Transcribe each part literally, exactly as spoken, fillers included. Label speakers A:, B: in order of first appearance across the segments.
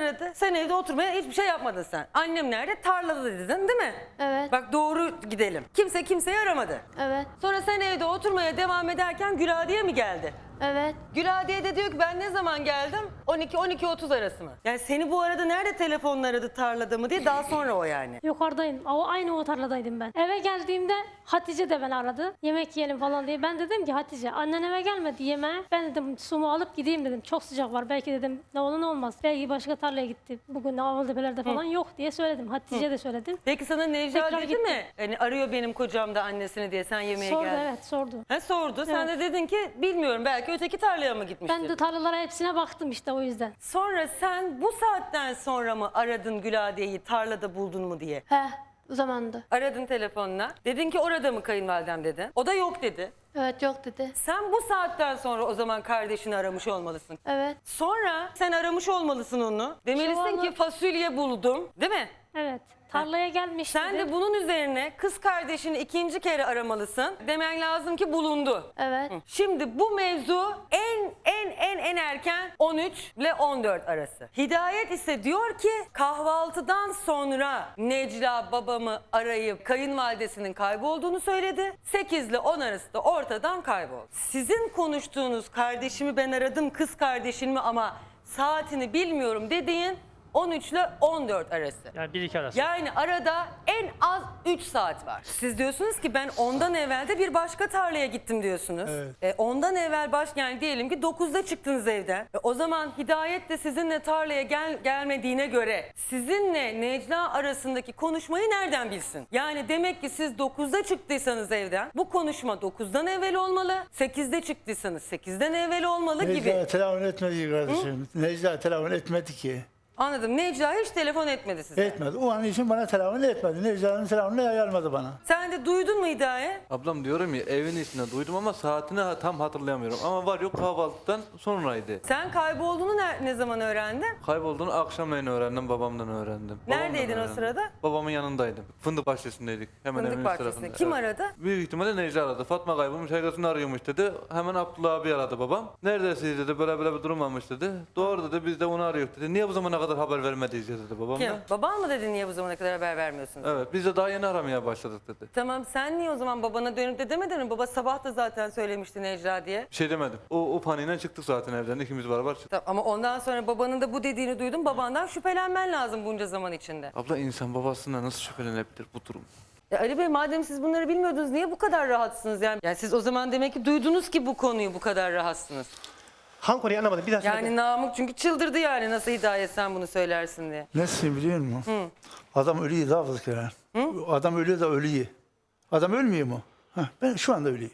A: aradı. Sen evde oturmaya hiçbir şey yapmadın sen. Annem nerede? Tarlada dedin değil mi?
B: Evet.
A: Bak doğru gidelim. Kimse kimseyi aramadı.
B: Evet.
A: Sonra sen evde oturmaya devam ederken Güladiye mi geldi?
B: Evet.
A: Güladiye de diyor ki ben ne zaman geldim? on iki on iki otuz arası mı? Yani seni bu arada nerede telefonla aradı, tarlada mı diye, daha sonra o yani.
C: Yukarıdayım. O aynı o tarladaydım ben. Eve geldiğimde Hatice de beni aradı. Yemek yiyelim falan diye. Ben dedim ki Hatice annen eve gelmedi yemeğe. Ben dedim sumu alıp gideyim dedim. Çok sıcak var. Belki dedim ne olur ne olmaz. Belki başka tarlaya gitti. Bugün Avaldepelerde falan yok diye söyledim. Hatice de söyledim.
A: Peki sana Necla
C: Tekrar
A: dedi
C: gitti.
A: mi? Yani arıyor benim kocam da annesini diye, sen yemeğe
C: Sordu
A: geldin.
C: evet sordu.
A: Ha, sordu. Sen de
C: Evet.
A: dedin ki bilmiyorum, belki öteki tarlaya mı gitmiştir?
C: Ben de tarlalara hepsine baktım işte o yüzden.
A: Sonra sen bu saatten sonra mı aradın Güladiye'yi, tarlada buldun mu diye?
B: He. O zamandı.
A: Aradın telefonla. Dedin ki orada mı kayınvalidem dedi. O da yok dedi.
B: Evet yok dedi.
A: Sen bu saatten sonra o zaman kardeşini aramış olmalısın.
B: Evet.
A: Sonra sen aramış olmalısın onu. Demelisin
C: Şu
A: ki
C: anda-
A: fasulye buldum, değil mi?
C: Evet. Tarlaya gelmişti.
A: Sen de bunun üzerine kız kardeşini ikinci kere aramalısın. Demen lazım ki bulundu.
B: Evet.
A: Şimdi bu mevzu en en en en erken on üç ile on dört arası. Hidayet ise diyor ki kahvaltıdan sonra Necla babamı arayıp kayınvalidesinin kaybolduğunu söyledi. sekiz ile on arası da ortadan kayboldu. Sizin konuştuğunuz kardeşimi ben aradım, kız kardeşimi ama saatini bilmiyorum dediğin on üç ile on dört arası.
D: Yani bir iki arası.
A: Yani arada en az üç saat var. Siz diyorsunuz ki ben ondan evvel de bir başka tarlaya gittim diyorsunuz.
E: Evet.
A: E, ondan evvel baş, yani diyelim ki dokuzda çıktınız evden. E, o zaman Hidayet de sizinle tarlaya gel, gelmediğine göre sizinle Necla arasındaki konuşmayı nereden bilsin? Yani demek ki siz dokuzda çıktıysanız evden bu konuşma dokuzdan evvel olmalı. sekizde çıktıysanız sekizden evvel olmalı gibi.
E: Necla telefon etmedi ki kardeşim. Necla telefon etmedi ki.
A: Anladım. Necla hiç telefon etmedi size.
E: Etmedi. O an için bana telefon etmedi. Necla'nın telefonunu ayarmadı bana.
A: Sen de duydun mu Hidayet?
F: Ablam diyorum ya evin içinde duydum ama saatini ha- tam hatırlayamıyorum. Ama var yok kahvaltıdan sonraydı.
A: Sen kaybolduğunu ne, ne zaman öğrendin?
F: Kaybolduğunu akşamleyin öğrendim, babamdan öğrendim. Babamdan
A: Neredeydin o
F: öğrendim.
A: sırada?
F: Babamın yanındaydım. Fındık bahçesindeydik. Hemen
A: Fındık
F: evin
A: bahçesinde.
F: tarafında.
A: Kim
F: Evet.
A: aradı?
F: Büyük ihtimalle Necla aradı. Fatma kaybolmuş, herkesini arıyormuş dedi. Hemen Abdullah abi aradı babam. Neredesiniz dedi, böyle böyle bir durum varmış dedi. Doğru dedi, biz de onu arıyoruz dedi. Niye bu zamana kadar haber vermediyiz dedi babam
A: Kim?
F: da.
A: Baban mı dedi niye bu zamana kadar haber vermiyorsunuz?
F: Evet, biz de daha yeni aramaya başladık dedi.
A: Tamam, sen niye o zaman babana dönüp de demedin mi? Baba sabah da zaten söylemişti Necla diye.
F: Bir şey demedim. O, o paniğine çıktık zaten evden. İkimiz beraber çıktık.
A: Tamam, ama ondan sonra babanın da bu dediğini duydum. Babandan şüphelenmen lazım bunca zaman içinde.
F: Abla insan babasından nasıl şüphelenebilir bu durum?
A: Ya Ali Bey, madem siz bunları bilmiyordunuz niye bu kadar rahatsınız? Yani, yani siz o zaman demek ki duydunuz ki bu konuyu bu kadar rahatsınız.
D: Hangi konuyu anlamadım. Bir daha söyle.
A: Yani Namık çünkü çıldırdı yani, nasıl Hidayet sen bunu söylersin diye.
E: Nesin biliyor musun? Adam ölüyor daha fazla kere. Adam ölüyor da ölüyor. Adam ölmüyor mu? Heh, ben şu anda ölüyüm.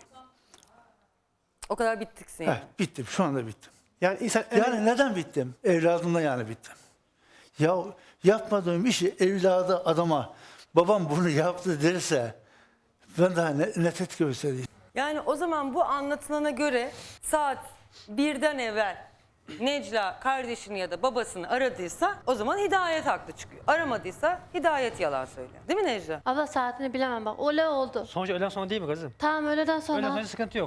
A: O kadar bittiksin yani.
E: Heh, bittim. Şu anda bittim.
D: Yani insan
E: Yani neden bittim? Evladımdan yani bittim. Ya yapmadığım işi evladı adama babam bunu yaptı derse ben daha ne, ne tepki göstereyim?
A: Yani o zaman bu anlatılana göre saat birden evvel Necla kardeşini ya da babasını aradıysa o zaman Hidayet haklı çıkıyor. Aramadıysa Hidayet yalan söylüyor. Değil mi Necla?
B: Abla saatini bilemem bak. Öyle oldu.
D: sonuç öğleden sonra değil mi kızım?
B: Tamam öğleden sonra.
D: Öğleden sonra sıkıntı yok.